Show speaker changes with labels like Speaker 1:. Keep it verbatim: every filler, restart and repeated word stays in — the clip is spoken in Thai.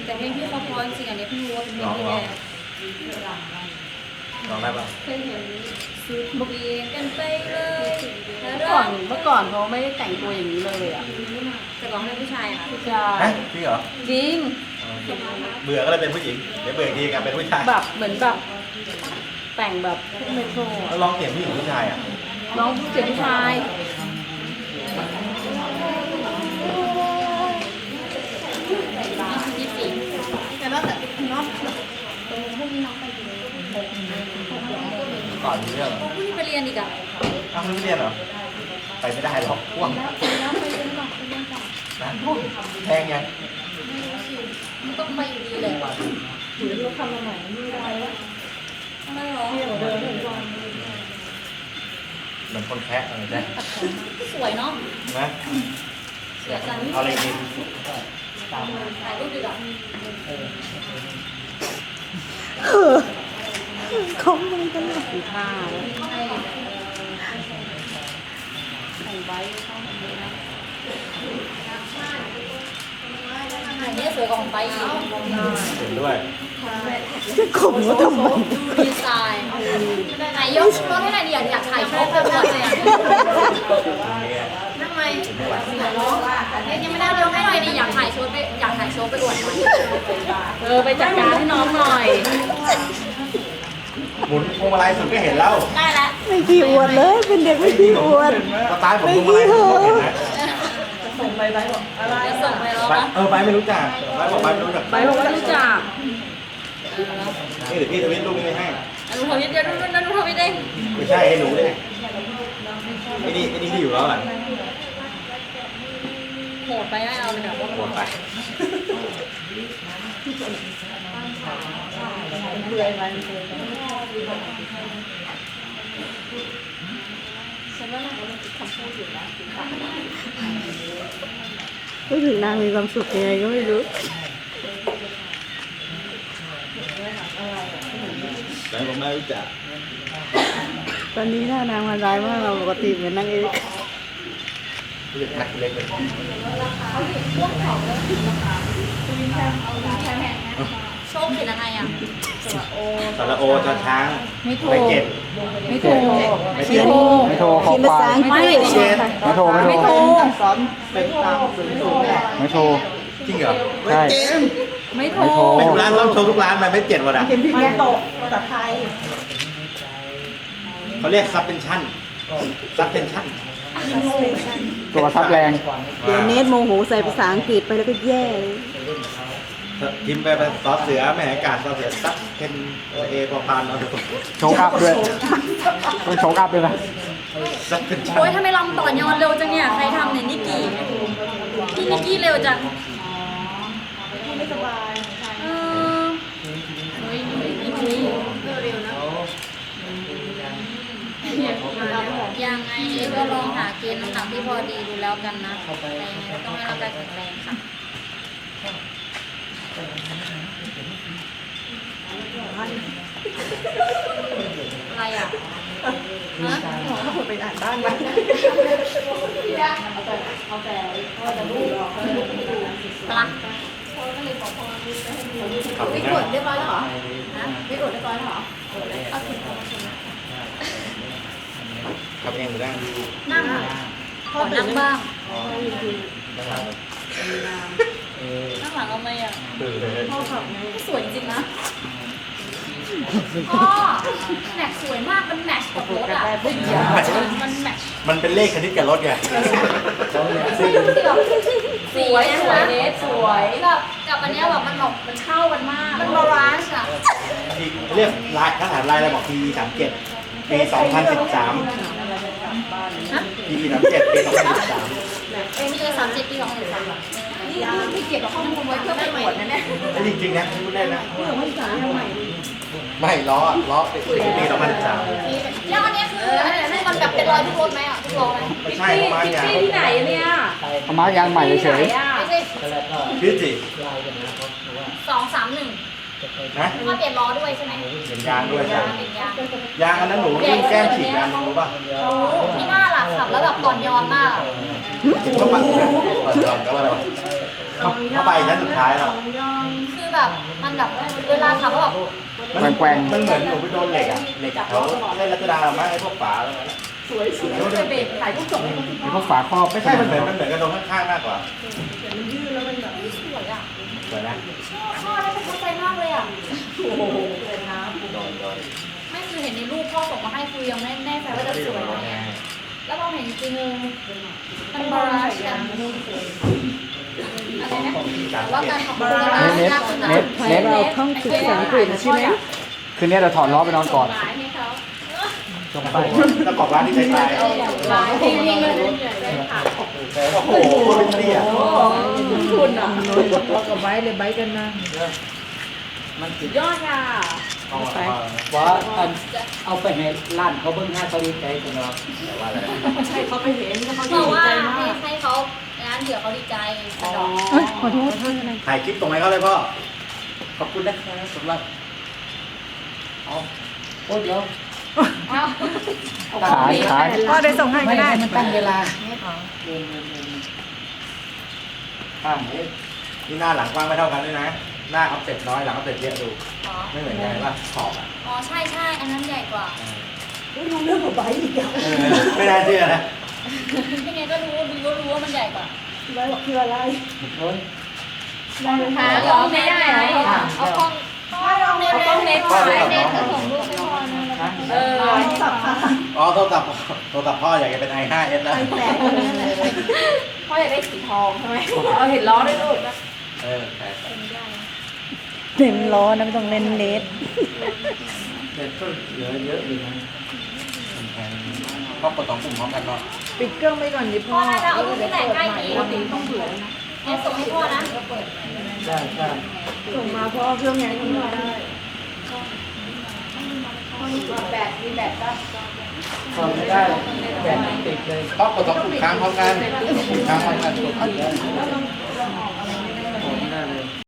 Speaker 1: แต่เพลงพี่เขาเพราะจริงๆอันนี้เพิ่งรู้ว่าเป็นเพลงพี่แดง
Speaker 2: ลองได้ปะ
Speaker 1: สุดเบียงกันไปเลย
Speaker 3: เมื่อก่อนเมื่อก่อนเขาไม่ได้แต่งตัวอย่างนี้เลยอ่ะ
Speaker 1: แต่ก่อนเป็นผู้ชายค่ะ
Speaker 3: ผู้ชา
Speaker 2: ฮะ
Speaker 3: ย
Speaker 2: จริงเหรอ
Speaker 3: จริง
Speaker 2: เบื่อก็เลยเป็นผู้หญิง เดี๋ยวเบื่ออีกทีกลับเป็นผู้ชาย
Speaker 3: แบบเหมือนแบบแต่งแบบพวกเมโทร
Speaker 2: แล้วลองเสียงผู้หญิงผู้ชายอ่ะ
Speaker 3: น้องผู้เสียงผู้ชาย
Speaker 1: ยี่สิบ
Speaker 3: แต่ว่าแต่น้อง
Speaker 2: ก่อนมีเรื่องเหรอ
Speaker 1: พวกนี้ไปเรียนอีกอ่ะ
Speaker 2: อ้าวไม่เรียนเหรอ ไปไม่ได้หรอกพ่วงนะแพงยัง
Speaker 1: มันต้องไปอยู่ดีเลย
Speaker 3: หรือเราทำมาใหม่ไม่ได้แล้ว
Speaker 1: ทำไมหรอ
Speaker 3: เที่ยวเดินทุกวัน
Speaker 2: เหมือนคนแคะอะไรได้
Speaker 1: สวยเนาะ
Speaker 2: นะ
Speaker 1: สวยจัง
Speaker 2: เอาอะไรกิน
Speaker 1: ถ่ายรูปดีกว่า
Speaker 3: เขาไม่กันเลยสีผ้าแต่งไว้เข้ามาเลยนะ
Speaker 1: อันนี้สวยกว่าของไปอีก
Speaker 2: เห็นด้วย
Speaker 3: จะข่มว่าทำไม
Speaker 1: ดูดีไซน์ไหนยกรถให้หน่อยดิอยากถ่ายโชว์ไปหมดเลยอ่ะทำไมยังไม่ได้ยกให้หน่อยดิอยากถ่ายโชว์ไปอยากถ่ายโชว์ไปอวดหน่อย
Speaker 3: เออไปจัดการให้น้องหน่อย
Speaker 2: หมุนพวงมาลัยสุดก็เห็นแล้ว
Speaker 1: ได้แล้ว
Speaker 4: ไม่ขี้อวดเลยเป็นเด็กไม่ขี้อวด
Speaker 2: สไตล์ผมพวงมาลัยผมก็เห็นนะ
Speaker 3: ส่งไปไปบอกอะไร
Speaker 1: จะส่งไปแล้ว
Speaker 2: ไป
Speaker 1: ปะ
Speaker 2: เออไปไม่รู้จักไปบอกไปไม่รู้จัก
Speaker 3: ไปบอกว่ารู้จัก
Speaker 2: นี่เดี๋ยวพี่ทวิตรูปนี้ไปให้
Speaker 1: อนุทวิทย์เดี๋ยวนู่นนั่นอนุทวิทย์เอง
Speaker 2: ไม่ใช่ให้หนูเลยไอ้นี่ไอ้นี่ที่อยู่แล้วอ่ะ
Speaker 1: โหดไปไม่เอาเลยแบบ
Speaker 2: หมดไป
Speaker 3: เบื่อมัน
Speaker 4: พูดถึงนางมีความสุขยังไงก็ไม่รู้
Speaker 2: แต่ผมไม่รู้จัก
Speaker 4: ตอนนี้หน้านางมันร้ายมากเราปกติเหมือนนางเอก
Speaker 2: รู้จักนักเล็กเลย
Speaker 1: โชคเขียนอะไรอ่ะ
Speaker 2: สระโอจอช้าง
Speaker 3: ไม่โทร
Speaker 2: ไม่เจ็บ
Speaker 3: ไม่โทร
Speaker 2: ไม่
Speaker 4: เขี
Speaker 2: เจ็
Speaker 4: ย
Speaker 2: บ
Speaker 4: น
Speaker 5: ไม่โทรขอ
Speaker 4: เขียนภา
Speaker 5: ควา
Speaker 4: ษาม อังกฤษ
Speaker 2: เจ็บ
Speaker 5: ไม่โทรไม่
Speaker 3: ไม่
Speaker 5: โท
Speaker 3: โท
Speaker 5: ร
Speaker 3: ร
Speaker 4: สอนเป็นตามสื่อสูงเนี่ย
Speaker 5: ไม่โทร
Speaker 2: จริงเหรอ
Speaker 5: ใช่
Speaker 3: ไม่โทร
Speaker 5: ไม่โทร
Speaker 2: ไม่ทุกร้านต้องโชว์ทุกร้านมันไม่เจ็บหมดอ่ะ
Speaker 4: เขียนผิดไงตกภาษาไทย
Speaker 2: เขาเรียกซับเป็นชั้นซับเป็นชั้น
Speaker 5: ตัวทับแรง
Speaker 4: เดี๋ยวเนทโมโหใส่ภาษาอังกฤษไปแล้วก็แย่เลย
Speaker 2: พิมพ์ไปเป็นซอสเสือแม่อากาศซอสเสือซับเป็นเอพอพานเอาดู
Speaker 5: โชกอัพด้วยต้องโชกอัพด้วยนะ
Speaker 2: ซับเป็นชั้น
Speaker 1: โอ้ยทำไมลำต่อยอนเร็วจังเนี่ยใครทำเนี่ยนิกกี้พี่นิกกี้เร็วจัง
Speaker 3: ไม่สบาย
Speaker 1: เออเฮ้ยนิกกี้เร็วๆนะยังไงก็ลองหาเกณฑ์น้ำหนักที่พอดีดูแล้วกันนะแต่ยังไงก็ต้องให้ร่างกายแข็งแรงค่ะอะไรอ่ะฮะ
Speaker 3: ถ้าผมไปอ่านบ้านมัน
Speaker 1: ปลั๊ก
Speaker 2: ขับ
Speaker 1: ไป
Speaker 2: ไป
Speaker 1: ก
Speaker 2: นั่
Speaker 1: ด
Speaker 2: ง
Speaker 1: เรียบร้อยแล้วเหรอฮะไปกดเรียบร้อยแล้วเหรอเอาถึง
Speaker 2: ขับเองหรือนั่ง
Speaker 1: นั่งอ่ะขอนั่งบ้างนั่งหลังเอาไหมอ่ะ
Speaker 2: ตื่นเลย
Speaker 1: สวยจริงนะพ่อแม็กสวยมากมันแมทช์กับรถอ่ะมันแมทช์
Speaker 2: มันเป็นเลขคณิตกับรถไง
Speaker 1: สีแบบสี
Speaker 3: สวย
Speaker 1: นะ
Speaker 3: สวยเนสสวย
Speaker 1: แบบกับอันเนี้ยแบบมันแบบมันเข้ากันมากมันบาลานซ์อ่ะ
Speaker 2: ที่เรียกลายทหารลายอะไรบอกปีสามเจ็ดปีสองพันสิบสาม
Speaker 1: ฮะ
Speaker 2: ปีสามเจ็ดปีสองพันสิบสาม
Speaker 1: เอ็มเอสามเจ็ดปีสองพันสิบสามนี่ที่เก็บข้อมูลไว้เพื่อไปตรวจนะเนี่ย
Speaker 2: อันนี้จริงๆนะพูดได้นะไม่ล้อล้อเป็นปีสองพันสิบสาม
Speaker 1: แล้วอันเนี้ยคืออันเนี้ยคือมันแบบเป็นรอยทุกรถไหมอ่ะทุกล้อไหม
Speaker 2: ไม่ใช่ประมาณ
Speaker 3: พิต
Speaker 2: อย่าง
Speaker 3: ตี้ที่ไหนเนี่ย
Speaker 5: เอามายางใหม่เฉย
Speaker 3: ที่ไหนอ่ะ
Speaker 1: ไม่ใช่
Speaker 2: พี่จิ
Speaker 1: สองสามหนึ่ง
Speaker 2: นะ
Speaker 1: มาเปลี่ยนล้อด้วยใช่ไหม
Speaker 2: เห็นยางด้วยยาง
Speaker 1: เปลี่ยนยาง
Speaker 2: ยางอันนั้นหนูยิ่งแก้มฉีดยางรู้ป่ะ
Speaker 1: รู้ที่หน้าหลักขับแล้วแบบต่อนยอนมาก
Speaker 2: เห็นเขาปัดเปิดก่อนก็ว่าอะไรวะ
Speaker 1: เ
Speaker 2: เข้าเข้าไปชั้นสุดท้ายแล้ว
Speaker 1: คือแบบมันแบบเวลาขับก็แบบ
Speaker 2: มัน
Speaker 5: แกว่ง
Speaker 2: มันเหมือนหนูไปโดนเหล็กอะเหล็กเขาใช่รัชดาไหมไอ้พวกฝาอะไรนั่นอะ
Speaker 3: สวยสวยไปเบรกถ่ายรูปส่งให้เขาที่
Speaker 5: ๆ
Speaker 3: บ้า
Speaker 5: พวน กฝาครอบ
Speaker 2: ไม่ใช่มันเหมือนมันเหมือนกับตรงข้างๆมากกว่า
Speaker 3: มันยืดแล้วมันแบบ
Speaker 1: เฮ้ยสวยอ่ะ
Speaker 2: สวยนะ
Speaker 1: ชอบพ่อแล้วประทับใจมากเลยอ่ะ
Speaker 3: โอ้โหเลยนะ
Speaker 2: โดนโดน
Speaker 1: ไม่คือเห็นในรูปพ่อส่งมาให้คือยังไม่แน่ใจว่าจะสวยไหมอะแล้วพอเห็นจริงๆมันบาลานซ์กันอะไรนะแต่ว่าการขับรถ
Speaker 5: เน็ต
Speaker 1: ยากขึ้นนะ
Speaker 5: เน็ตเน็ต
Speaker 4: เราท่องศึกษาอังกฤษใช่ไหม
Speaker 5: คืนนี้เราถอดล้อไปนอนก่อน
Speaker 1: หมายให้เขา
Speaker 5: จงไป
Speaker 2: แล้วกรอบร้านที่ใช้ตาย
Speaker 1: ลายจริงๆเลย
Speaker 2: โอ้โหเป็นเตี้ย
Speaker 3: คุณอ่ะ
Speaker 4: เรากับไบเลยไบกันนะ
Speaker 5: มันติด
Speaker 3: ยอดค่ะ
Speaker 2: เอาไป
Speaker 5: ว่าอันเอาไปให้ร้านเขาเบิ้งห้าเขาดีใจจังเนาะ
Speaker 2: แต่ว่าอะไรนะ
Speaker 3: ใช่เขาไปเห็นเขา
Speaker 1: บ
Speaker 3: ดี
Speaker 1: อกว่า
Speaker 3: ใจ
Speaker 1: ให้
Speaker 3: มาก
Speaker 1: ให้เขางานเดี๋ยวเขาดีใจสะดอก
Speaker 4: เอ้ยขอโทษขอโทษ
Speaker 2: ถ่ายคลิปตรงไหนเขาเลยพ่อ ขอบคุณนะครับสำหรับ
Speaker 5: เอาโอ้เดี๋ยว
Speaker 1: อ้าว
Speaker 5: ขายขาย
Speaker 4: พ่อได้ส่งให้ก็ได้
Speaker 5: มันตั้งเวลาเดินเดินเดินข้างนี้
Speaker 2: นี่หน้าหลังกว้างไม่เท่ากันด้วยนะ หน้าออฟเซ็ตน้อยหลังออฟเซ็ตเยอะดู
Speaker 1: อ๋อ
Speaker 2: ไม่เหมือนกันป่ะขอบอ่ะ
Speaker 1: อ๋อใช่ใช่อันนั้นใหญ่กว่า
Speaker 3: รู้เรื่องของไบอีกอ่ะ
Speaker 2: เออไม่น่าเชื่อนะ
Speaker 1: ยังไงก็รู้ดูก็รู้ว่ามันใหญ่กว่า
Speaker 3: ไบบอกคืออะไร
Speaker 5: โอ้ย
Speaker 1: หาเหรอไม่ได้ไหมเอากล้องกล้องเน็ตเน็ตถ่ายเน็ตส่งรูปให้พ่อนะ
Speaker 5: ฮะ
Speaker 3: เออสับค่ะ
Speaker 2: อ๋อโทรศัพท์โทรศัพท์พ่ออยากจะเป็น ไอ ไฟว์ เอส แล้ว
Speaker 3: แตกนั่นแหละพ่ออยากได้สีทองใช่ไหมเอาเห็นล้อด้วยลูก
Speaker 2: เออใช่
Speaker 4: เต็มล้อนะไม่ต้องเล่นเลส
Speaker 5: เด็ดก็เหลือเยอะอยู่นะ
Speaker 2: พ่อกดสองปุ่มพร้อมกันเนาะ
Speaker 4: ปิดเครื่องไปก่อนดิ
Speaker 1: พ่
Speaker 4: พ่
Speaker 1: อ
Speaker 4: อ
Speaker 1: น่าจะเอารูปที่แต่งใกล้ดี
Speaker 3: ปกติต้องเบื่อนะ
Speaker 1: เน็ตส่งให้พ่อนะ
Speaker 5: ใช่ใช่
Speaker 3: ส่งมาเพราะเครื่องงานเขาไม่ได้แบบมีแบบก็
Speaker 5: ทำไม่ได้แบบติดเลย
Speaker 2: พ่อกดสองปุ่มค้างพร้อมกันปุ่มค้างพร้อมกันกด
Speaker 3: แล้ว